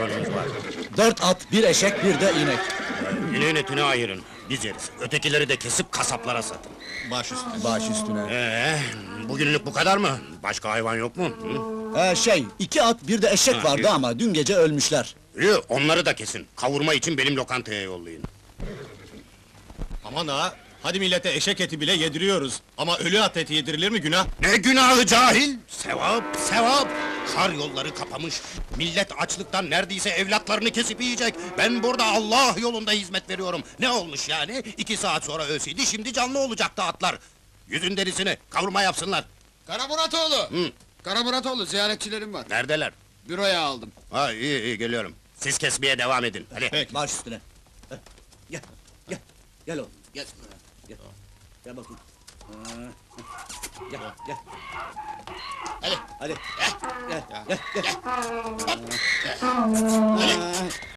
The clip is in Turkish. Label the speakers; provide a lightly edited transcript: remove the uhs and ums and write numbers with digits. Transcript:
Speaker 1: var.
Speaker 2: 4 at, 1 eşek, 1 de inek.
Speaker 1: İneğin etini ayırın, biz yeriz. Ötekileri de kesip kasaplara satın.
Speaker 3: Baş üstüne.
Speaker 2: Baş üstüne.
Speaker 1: Bugünlük bu kadar mı? Başka hayvan yok mu? Hı?
Speaker 2: 2 at, 1 de eşek vardı
Speaker 1: iyi.
Speaker 2: ama dün gece ölmüşler.
Speaker 1: İyi, onları da kesin. Kavurma için benim lokantaya yollayın.
Speaker 3: Aman ha! Hadi millete eşek eti bile yediriyoruz. Ama ölü at eti yedirilir mi günah?
Speaker 1: Ne günahı cahil! Sevap, sevap! Kar yolları kapamış. Millet açlıktan neredeyse evlatlarını kesip yiyecek. Ben burada Allah yolunda hizmet veriyorum. Ne olmuş yani? 2 saat sonra ölseydi, şimdi canlı olacaktı atlar. Yüzün derisini kavurma yapsınlar.
Speaker 4: Kara Muratoğlu!
Speaker 1: Hı.
Speaker 4: Kara Muratoğlu, ziyaretçilerim var.
Speaker 1: Neredeler?
Speaker 4: Büroya aldım.
Speaker 1: Ha, iyi geliyorum. Siz kesmeye devam edin. Hadi.
Speaker 3: Peki.
Speaker 2: Baş üstüne. Gel, gel, gel oğlum, gel. Gel, gel bakayım. Gel, gel.
Speaker 4: Hadi.
Speaker 2: Hadi. Gel, gel, gel.